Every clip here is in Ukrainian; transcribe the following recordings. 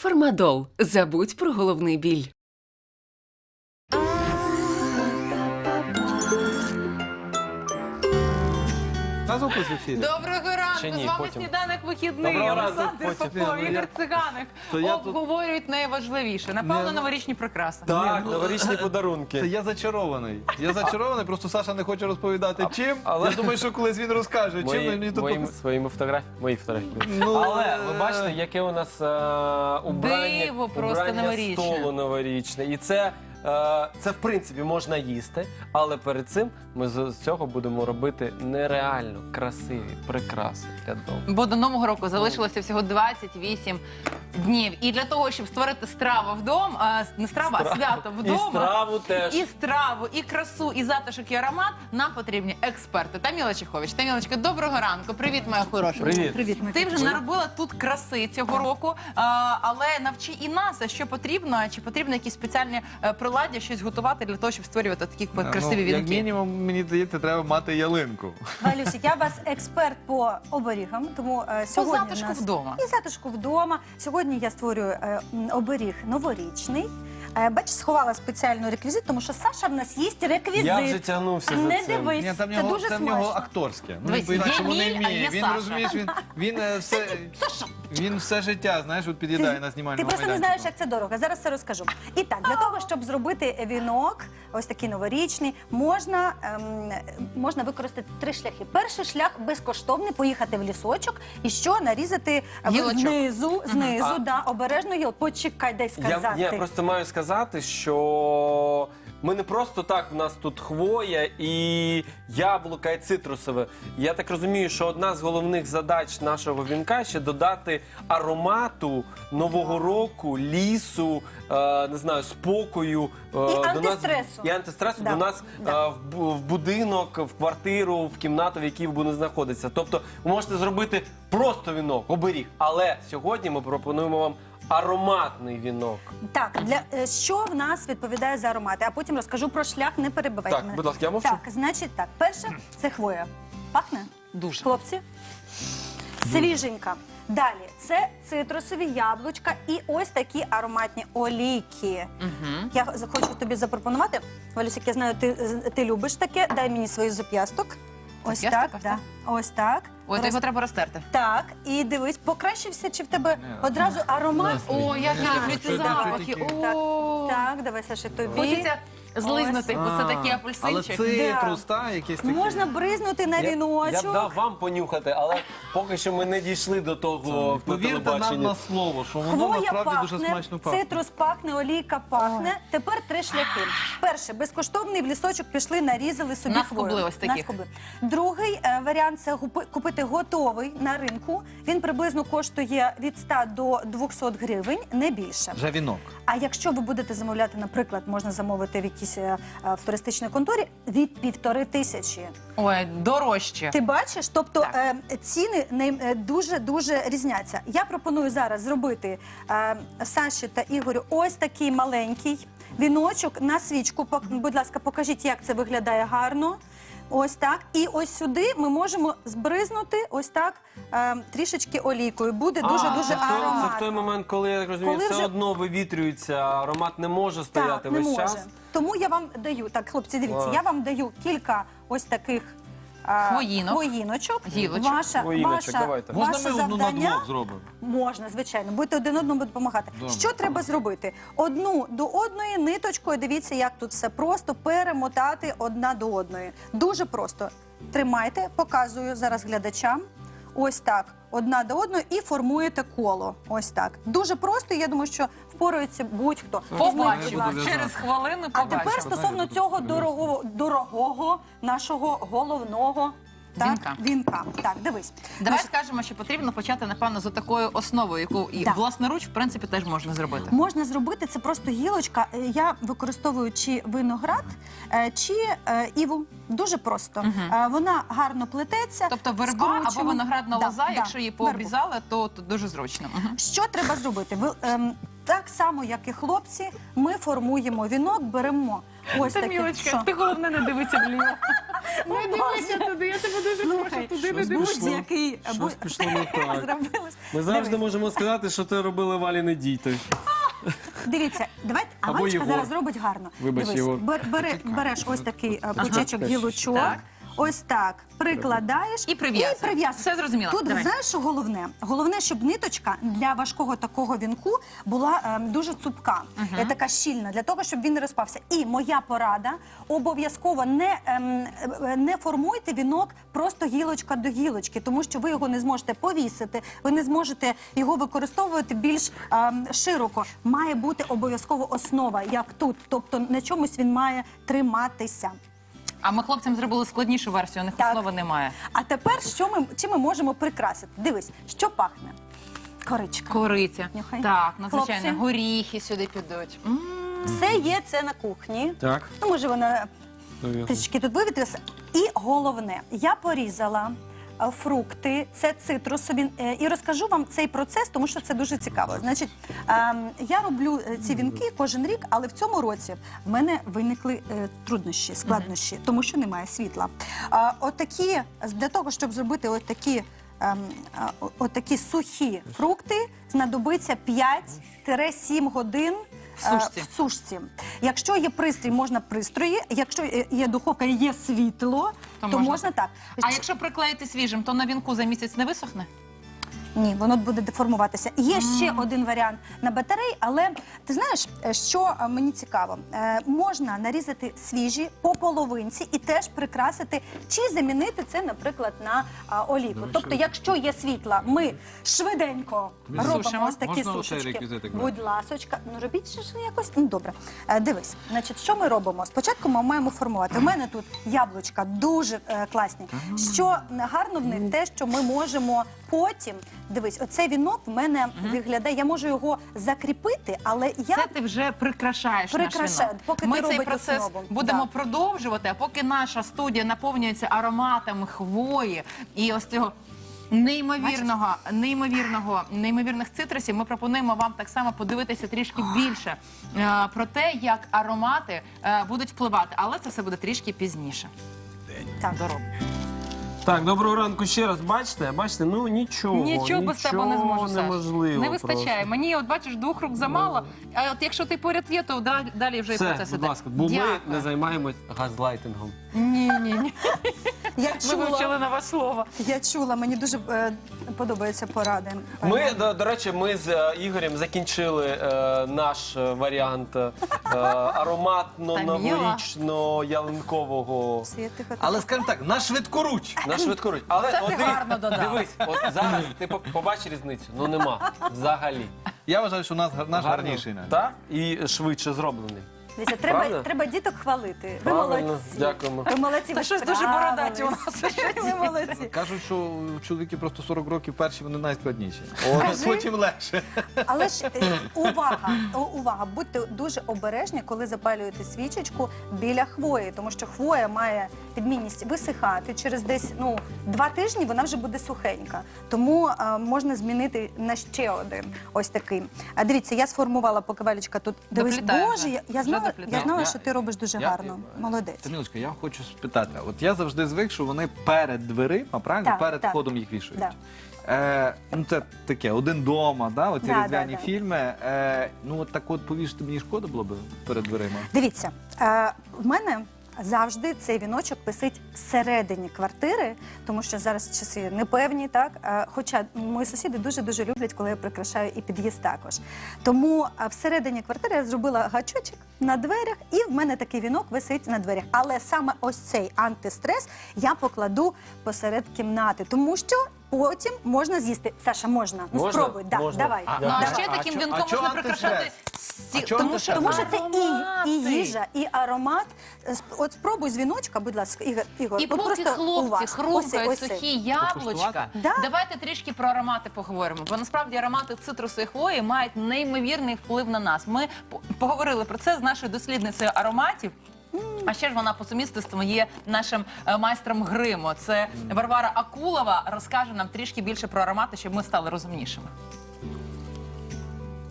Фармадол. Забудь про головний біль. На звуку з ефірі. Доброго ранку, Чи ні, з вами потім. «Сніданок вихідний». Доброго ранку, Олександр потім. Попов, Ні, ну Ігор я- Циганик То я тут- обговорюють найважливіше. Напевно, новорічні прикраси. Так, ну, новорічні подарунки. Це я зачарований. Я зачарований, просто Саша не хоче розповідати чим. але- Я думаю, що колись він розкаже, чим мені тут... Своїми фотографіями. Мої фотографії. Ну, Але ви бачите, яке у нас убрання, Диво просто новорічне. столу новорічне. І це, в принципі, можна їсти, але перед цим ми з цього будемо робити нереально красиві прикраси для дому. Бо до Нового року залишилося всього 28 днів. І для того, щоб створити страву вдома, не страву, а свято І вдома, страву теж. і страву, і красу, і затишок, і аромат, нам потрібні експерти. Таміла Чехович. Тамілочка, доброго ранку. Привіт, моя хороша. Привіт. Ти вже наробила тут краси цього року, але навчи і нас, а що потрібно, чи потрібно якісь спеціальні приладдя, щось готувати для того, щоб створювати такі красиві Як вінки. мінімум, мені здається, треба мати ялинку. Валюсі, я вас експерт по оберігам, тому По сьогодні в затишку нас... вдома. І затишку вдома. Сьогодні я створюю оберіг новорічний. Бачиш, сховала спеціальну реквізит, тому що Саша в нас їсть реквізит. Я вже тягнувся за Не цим. дивись, Ні, там це дуже в нього смачно. акторське. Ну, Дивись, він по-інакшому є не мій, а вміє. є Він, Саша. розумієш, він все життя, знаєш, от під'їдає на знімальному Ти просто не майданчику. знаєш, як це дорого. Зараз все розкажу. І так, для того, щоб зробити вінок, ось такий новорічний, можна використати 3 шляхи. Перший шлях безкоштовний, поїхати в лісочок і що нарізати Гілочок. знизу, да, обережно гіл. Почекай, дай сказати. Я просто маю сказати, що ми не просто так, в нас тут хвоя і яблука, і цитрусове. Я так розумію, що одна з головних задач нашого вінка ще додати аромату Нового року, лісу, не знаю, спокою. антистресу. І антистресу Да. до нас Да. в будинок, в квартиру, в кімнату, в якій буде знаходитися. Тобто ви можете зробити просто вінок, оберіг. Але сьогодні ми пропонуємо вам ароматний вінок. Так, що в нас відповідає за аромати, а потім розкажу про шлях, не перебивайте Так, мене. будь ласка, я мовчу. Так, значить так, перше, це хвоя. Пахне? Дуже. Хлопці? Свіженька. Далі, це цитрусові яблучка і ось такі ароматні олійки. Я хочу тобі запропонувати, Валюсик, я знаю, ти любиш таке, дай мені свій зап'ясток. Ось так, Зап'ясток, ось да. так? Ось так. Ой, то його треба розтерти. Так, і дивись, покращився, чи в тебе одразу аромат? О, як я люблю ці Що запахи. таке? О, Так, давай, Саша, тобі. Хочеться злизнути, бо це такий Але апельсинчик. цитрус, та, якийсь такий. Можна бризнути на Я б віночок. дав вам понюхати, але поки що ми не дійшли до того на Повірте нам телебаченні. на слово, що воно Хвоя насправді дуже пахне, смачно пахне. цитрус пахне, олійка пахне. Тепер 3 шляхи. Перше, безкоштовний в лісочок пішли, нарізали собі Наскубли хвою. ось таких. Наскубли. Другий варіант – це купити готовий на ринку. Він приблизно коштує від 100 до 200 гривень, не більше. Вже вінок. А якщо ви будете замовляти, наприклад, можна замовити в якійсь в туристичній конторі від 1500. Ой, дорожче. Ти бачиш? Тобто Так. ціни дуже-дуже різняться. Я пропоную зараз зробити Саші та Ігорю ось такий маленький віночок на свічку. Будь ласка, покажіть, як це виглядає гарно. Ось так. І ось сюди ми можемо збризнути ось так трішечки олійкою. Буде дуже-дуже Це в той ароматно. момент, коли, я так розумію, Коли все вже- одно вивітрюється, аромат не може стояти Так, не весь може. час. Тому я вам даю, так, хлопці, дивіться, Ладно. я вам даю кілька ось таких хвоїночок. Гілочок. Хвоїночок, давайте. Можна Ваше ми одну на завдання? двох зробимо? Можна, звичайно. Будете один одному допомагати. Добре. Що треба зробити? Одну до одної ниточкою, дивіться, як тут все просто, перемотати одна до одної. Дуже просто. Тримайте, показую зараз глядачам. Ось так, одна до одної і формуєте коло. Ось так. Дуже просто, я думаю, що впорається будь-хто. Візьміть, будь Побачимо. ласка. Через хвилину А побачимо. тепер стосовно цього дорогого нашого головного вінка. Так, дивись. Давай скажемо, що потрібно почати, напевно, з такою основою, яку і Да. власноруч, в принципі, теж можна зробити. Можна зробити, це просто гілочка. Я використовую чи виноград, чи іву. Дуже просто. Вона гарно плететься. Тобто верба або скручуємо. виноградна Да, лоза, да, якщо її вербу. пообрізали, то дуже зручно. Мгм. Що треба зробити? Так само, як і хлопці, ми формуємо вінок, беремо ось таке. Тамілочка, Що? ти головне не дивися вліво. Не дивися туди, я тебе дуже прошу, туди не щось дивися. пішло. Будь-який Щось пішло не так. зробилось. Ми завжди Дивись. можемо сказати, що ти робили Валіни діти. Дивіться, давайте, а Або Валечка Єгор. зараз зробить гарно. Вибач, Дивись, Єгор. береш ось такий пучечок гілочок, Так. ось так, прикладаєш І прив'язуєш. прив'язуєш. Все зрозуміло. Тут, Давай. знаєш, що головне? Головне, щоб ниточка для важкого такого вінку була дуже цупка, така щільна, для того, щоб він не розпався. І моя порада, обов'язково не формуйте вінок просто гілочка до гілочки, тому що ви його не зможете повісити, ви не зможете його використовувати більш широко. Має бути обов'язково основа, як тут, тобто на чомусь він має триматися. А ми хлопцям зробили складнішу версію, у них Так. основи немає. А тепер чим ми можемо прикрасити? Дивись, що пахне? Коричка. Кориця. Нюхай. Так, надзвичайно. Хлопці. Горіхи сюди підуть. Все є це на кухні. Так. Ну, може, вона трішки тут вивітрилася. І головне, я порізала фрукти, це цитрусові. І розкажу вам цей процес, тому що це дуже цікаво. Значить, я роблю ці вінки кожен рік, але в цьому році в мене виникли труднощі, складнощі, тому що немає світла. Отакі, для того, щоб зробити отакі сухі фрукти, знадобиться 5-7 годин сушці. в сушці. Якщо є пристрій, можна пристрої. Якщо є духовка, є світло, то можна так. А якщо приклеїти свіжим, то на вінку за місяць не висохне? Ні, воно буде деформуватися. Є ще один варіант на батареї, але ти знаєш, що мені цікаво? Можна нарізати свіжі по половинці і теж прикрасити, чи замінити це, наприклад, на олійку. Тобто, якщо є світла, ми швиденько робимо Сушимо. ось такі Можна оцей сушечки. реквізитик брати? Будь ласочка, ну робіть ще ж якось. Ну добре. Дивись, значить, що ми робимо? Спочатку ми маємо формувати. У мене тут яблучка дуже класні. Що гарно в них те, що ми можемо потім. Дивись, оцей вінок в мене виглядає, я можу його закріпити, але я... Це ти вже прикрашаєш наш Прикрашаю, вінок. поки Ми ти цей робиш процес основу. будемо Да. продовжувати, а поки наша студія наповнюється ароматами хвої і ось цього неймовірних цитрусів, ми пропонуємо вам так само подивитися трішки більше про те, як аромати будуть впливати. Але це все буде трішки пізніше. Так. Дорога. Так, доброго ранку ще раз. Бачите, ну нічого. Нічого без тебе не зможу, Саш. неможливо. Не вистачає. просто. Мені, от бачиш, 2 рук замало, а от якщо ти поряд є, то далі вже і Все, процес будь іде. ласка, бо Дякую. ми не займаємось газлайтингом. Ні. Я Ми вивчили чула, нове слово. мені дуже подобаються поради. Ми, до речі, ми з Ігорем закінчили наш варіант ароматно-новорічно-ялинкового. Але скажімо так, на швидкоруч. На швидкоруч. Але Це ти от гарно додав. дивись, от зараз ти побачиш різницю. Ну нема. Взагалі. Я вважаю, що наш Гарно. гарніший навіть. Так? І швидше зроблений. Дивіться, Правда? треба діток хвалити. Ви Правильно, молодці. дякуємо. Ви молодці, Та ви щось дуже бородаті у нас. Ви молодці. Кажуть, що чоловіки просто 40 років перші, вони найскладніші. Скажи. Потім легше. Але ж увага, будьте дуже обережні, коли запалюєте свічечку біля хвої, тому що хвоя має відмінність висихати. Через десь 2 тижні вона вже буде сухенька. Тому можна змінити на ще один ось такий. А дивіться, я сформувала, поки Валечка тут. Дивись, Доплітає Боже, вже. я Вже знала, доплітає. що ти робиш дуже гарно. Молодець. Тамілочка, я хочу спитати. От я завжди звик, що вони перед дверима, правильно? Так, Перед так. входом їх вішають. Да. Це таке, один дома, да, оці Да, різдвяні да, да. фільми. От так от повішати мені шкода було б перед дверима. Дивіться, в мене завжди цей віночок висить всередині квартири, тому що зараз часи непевні, так? Хоча мої сусіди дуже-дуже люблять, коли я прикрашаю і під'їзд також. Тому всередині квартири я зробила гачочок на дверях, і в мене такий вінок висить на дверях. Але саме ось цей антистрес я покладу посеред кімнати, тому що потім можна з'їсти. Саша, можна? Ну Можна? спробуй, да, Можна. давай. Ну, а давай. ще таким чо- вінком а чо можна прикрашати антистрес? А чо антистрес? Тому що це Аромати. і їжа, і аромат. От спробуй з віночка, будь ласка, Ігор. І от поки просто хлопці уваж. хрумкають Ось цей. сухі яблучка, Покуштувати? Да. давайте трішки про аромати поговоримо. Бо насправді аромати цитрусу і хвої мають неймовірний вплив на нас. Ми поговорили про це з нашою дослідницею ароматів. А ще ж вона по сумісництву є нашим майстром гриму. Це Варвара Акулова розкаже нам трішки більше про аромати, щоб ми стали розумнішими.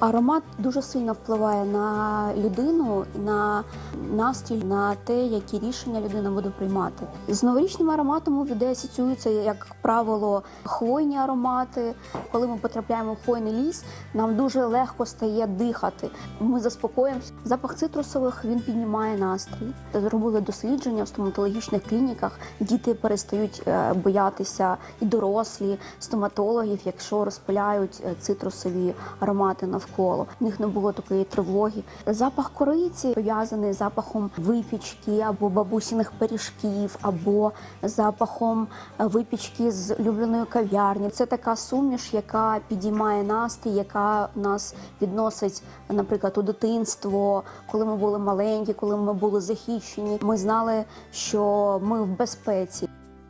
Аромат дуже сильно впливає на людину, на настрій, на те, які рішення людина буде приймати. З новорічним ароматом у людей асоціюються, як правило, хвойні аромати. Коли ми потрапляємо в хвойний ліс, нам дуже легко стає дихати. Ми заспокоїмося. Запах цитрусових, він піднімає настрій. Зробили дослідження в стоматологічних клініках. Діти перестають боятися, і дорослі, стоматологів, якщо розпиляють цитрусові аромати навколо. В них не було такої тривоги. Запах кориці пов'язаний з запахом випічки або бабусіних пиріжків, або запахом випічки з улюбленої кав'ярні. Це така суміш, яка підіймає настрій, яка нас відносить, наприклад, у дитинство, коли ми були маленькі, коли ми були захищені. Ми знали, що ми в безпеці.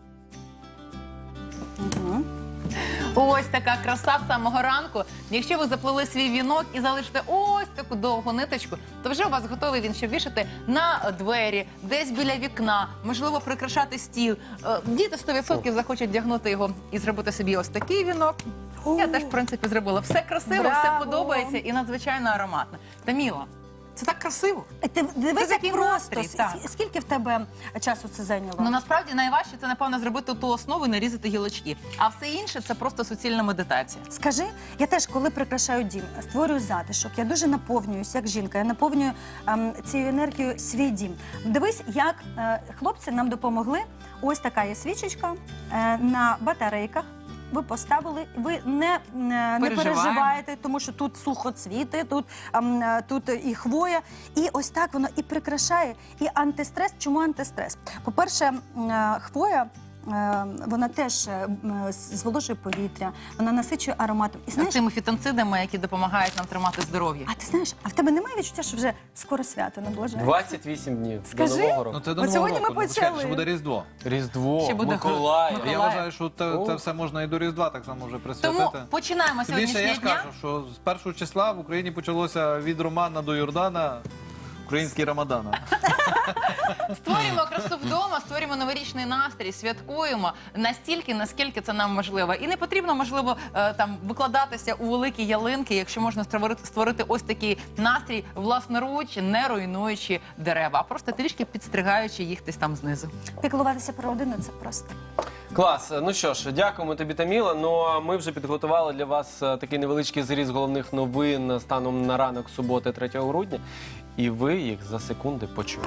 Ось така краса з самого ранку. Якщо ви заплели свій вінок і залишите ось таку довгу ниточку, то вже у вас готовий він, щоб вішати на двері, десь біля вікна, можливо, прикрашати стіл. Діти 100% захочуть вдягнути його і зробити собі ось такий вінок. Я теж, в принципі, зробила. Все красиво, все Браво! подобається і надзвичайно ароматно. Таміла, це так красиво. Ти дивись, Це такий як просто. настрій, так. Скільки в тебе часу це зайняло? Ну, насправді, найважче це, напевно, зробити ту основу і нарізати гілочки. А все інше – це просто суцільна медитація. Скажи, я теж, коли прикрашаю дім, створюю затишок, я дуже наповнююсь, як жінка, я наповнюю цією енергією свій дім. Дивись, як хлопці нам допомогли. Ось така є свічечка на батарейках. Ви поставили, ви не переживаєте, тому що тут сухоцвіти, тут і хвоя. І ось так воно і прикрашає, і антистрес. Чому антистрес? По-перше, хвоя, вона теж зволожує повітря, вона насичує ароматом. І знаєш, Цими фітонцидами, які допомагають нам тримати здоров'я. а ти знаєш, а в тебе немає відчуття, що вже скоро свято наближається? 28 днів Скажи. до Нового року. Ну це до От Нового сьогодні ми року. Ну, почали. чекай, що буде Різдво. Різдво, Ще буде Миколаїв. Миколаїв. Я вважаю, що це все можна і до Різдва так само вже присвятити. Тому починаємо Тим більше я сьогоднішнього ж дня. кажу, що з першого числа в Україні почалося від Романа до Йордана український Рамадана. Створюємо красу вдома, створюємо новорічний настрій, святкуємо настільки, наскільки це нам можливо. І не потрібно, можливо, там викладатися у великі ялинки, якщо можна створити ось такий настрій власноруч, не руйнуючи дерева, а просто трішки підстригаючи їх десь там знизу. Піклуватися про родину – це просто. Клас. Ну що ж, дякуємо тобі, Таміла. Ну а ми вже підготували для вас такий невеличкий зріз головних новин станом на ранок суботи 3 грудня. І ви їх за секунди почуєте.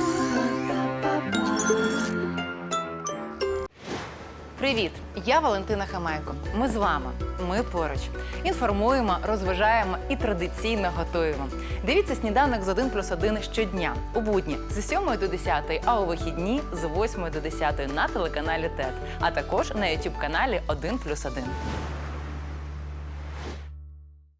Привіт! Я Валентина Хамайко. Ми з вами. Ми поруч. Інформуємо, розважаємо і традиційно готуємо. Дивіться «Сніданок з 1+1» щодня. У будні з 7 до 10, а у вихідні з 8 до 10 на телеканалі ТЕТ. А також на YouTube-каналі 1+1.